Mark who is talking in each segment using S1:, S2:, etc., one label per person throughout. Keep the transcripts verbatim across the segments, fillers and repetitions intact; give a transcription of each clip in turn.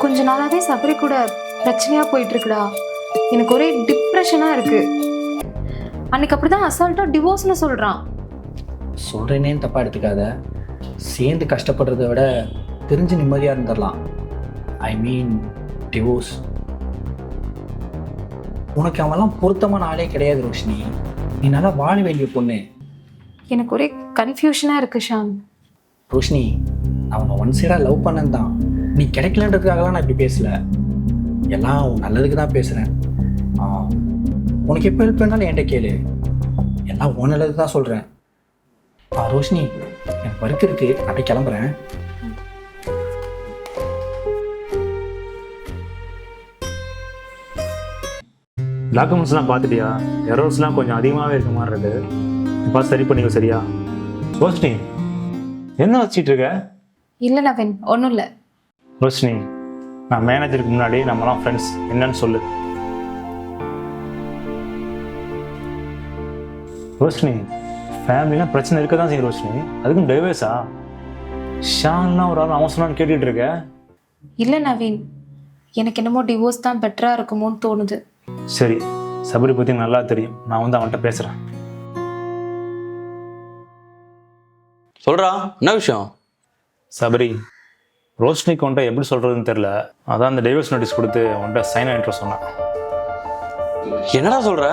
S1: கொஞ்ச நாளாவே சபரி கூட பிரச்சனையா போயிட்டு இருக்குடா. எனக்கு ஒரே டிப்ரெஷனா இருக்கு. அன்னைக்கு அப்படிதான் அசால்ட்டா டிவோர்ஸ்னு சொல்றான்.
S2: சொல்றேனேன்னு தப்பா எடுத்துக்காத. சேர்ந்து கஷ்டப்படுறத விட தெரிஞ்சு நிம்மதியா இருந்துடலாம். ஐ மீன் டிவோர்ஸ். உனக்கு அவெல்லாம் பொருத்தமான ஆளே கிடையாது ரோஷினி. நீ நல்லா வாழ வேண்டிய பொண்ணு.
S1: எனக்கு ஒரே கன்ஃபியூஷனா இருக்கு ஷாம்.
S2: ரோஷினி, அவனை ஒன் சைடா லவ் பண்ணன் தான். நீ கிடைக்கலன்றதுக்காகலாம் நான் இப்படி பேசல. எல்லாம் உன் நல்லதுக்கு தான் பேசுறேன். ஆ, உனக்கு எப்போ ஹெல்ப் பண்ணாலும் என்கிட்ட கேளு. எல்லாம் உன் நல்லதுக்கு தான் சொல்றேன். ஆ ரோஷினி, எனக்கு ஒர்க் இருக்கு, அப்படியே கிளம்புறேன்.
S3: டாக்குமெண்ட்ஸ்லாம் பார்த்துட்டியா? எரர்ஸ்லாம் கொஞ்சம் அதிகமாகவே இருக்க மாதிரி இருக்கு. பார்த்து சரி பண்ணிக்கோ. சரியா ரோஷினி? என்ன வச்சிட்டு இருக்க?
S1: இல்ல நவீன், ஒன்றும் இல்லை.
S3: ரோஷினி, நான் மேனேஜருக்கு முன்னாடி நம்மலாம் ஃப்ரெண்ட்ஸ் என்னன்னு சொல்லு. ரோஷினி, ஃபேமிலிலாம் பிரச்சனை இருக்க தான் செய்யும் ரோஷினி. அதுக்கும் டைவர்ஸா? ஷான்லாம் ஒரு ஆள் அவன் சொன்னான்னு கேட்டுட்டு இருக்க?
S1: இல்லை நவீன், எனக்கு என்னமோ டிவோர்ஸ் தான் பெட்டராக இருக்குமோன்னு தோணுது.
S3: சரி, சபரி பற்றி நல்லா தெரியும். நான் வந்து அவன்கிட்ட பேசுகிறேன்.
S4: சொல்றா, என்ன விஷயம்?
S3: சபரி, ரோஷினிக்கு உன்ட்ட எப்படி சொல்கிறதுன்னு தெரில. அதான் அந்த டைவர்ஸ் நோட்டீஸ் கொடுத்து உன்ட்ட சைன் ஆகிட்டு சொன்னேன்.
S4: என்னடா சொல்ற?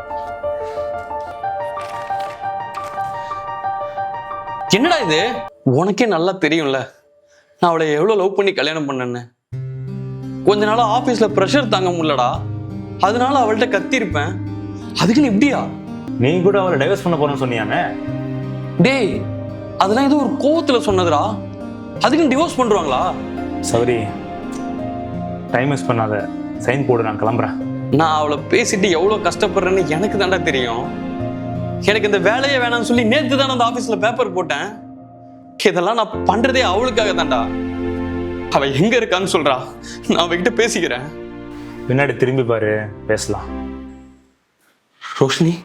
S4: என்னடா இது? உனக்கே நல்லா தெரியும்ல நான் அவளை எவ்வளவு லவ் பண்ணி கல்யாணம் பண்ணேன்னு. கொஞ்ச நாளா ஆபீஸ்ல ப்ரெஷர் தாங்க முடியலடா, அதனால அவள்கிட்ட கத்திருப்பேன். அதுக்குன்னு இப்படியா?
S3: நீ கூட அவளை டைவர்ஸ் பண்ண போறேன்னு சொன்னியாமே?
S4: டேய், அதெல்லாம் ஏதோ ஒரு கோவத்துல சொன்னதுடா. அதுக்குன்னு டிவோர்ஸ் பண்றாங்களா?
S3: சபரி, டைம் வேஸ்ட் பண்ணாத, சைன் போடு, நான் கிளம்புறேன்.
S4: நான் அவளை பேசிட்டு எவ்வளவு கஷ்டப்படுறேன்னு எனக்கு தாண்டா தெரியும். எனக்கு இந்த வேலையே வேணாம்னு சொல்லி நேத்து தானே அந்த ஆபீஸ்ல பேப்பர் போட்டேன். இதெல்லாம் நான் பண்றதே அவளுக்காக தான்டா. அவ எங்க இருக்கான்னு சொல்றா, நான் அவகிட்ட பேசிக்கிறேன்.
S3: பின்னாடி திரும்பி பாரு, பேசலாம்.
S4: ரோஷினி,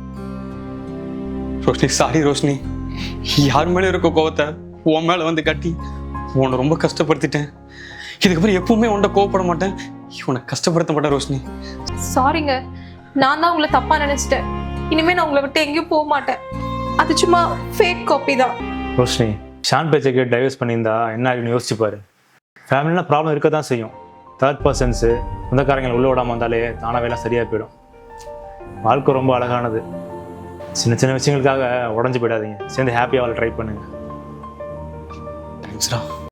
S4: ரோஷினி சாரி ரோஷினி. யார் மேல இருக்க கோவத்தை உன் மேல வந்து கட்டி உன்னை ரொம்ப கஷ்டப்படுத்திட்டேன். இதுக்கப்புறம் எப்பவுமே உன்கிட்ட கோவப்பட மாட்டேன், உன்னை கஷ்டப்படுத்த மாட்டேன் ரோஷினி.
S1: சாரிங்க, நான் தான் உங்களை தப்பா நினைச்சிட்டேன். இனிமே நான் உங்களை விட்டு எங்கேயும் போக மாட்டேன். அது சும்மா ஃபேக் காப்பி தான்.
S3: ரோஷினி, ஷான் பேச்சை கேட்டு டைவர்ஸ் பண்ணியிருந்தா என்ன ஆகுன்னு யோசிச்சு பாரு. ஃபேமிலினா ப்ராப்ளம் இருக்க தான் செய்யும். தேர்ட் பர்சன்ஸு சொந்தக்காரங்களை உள்ள விடாமல் வந்தாலே தானாக எல்லாம் சரியாக போயிடும். வாழ்க்கை ரொம்ப அழகானது. சின்ன சின்ன விஷயங்களுக்காக உடஞ்சி போயிடாதீங்க. சேர்ந்து ஹாப்பியாக அவளை ட்ரை பண்ணுங்க.
S4: தேங்க்ஸ்டா.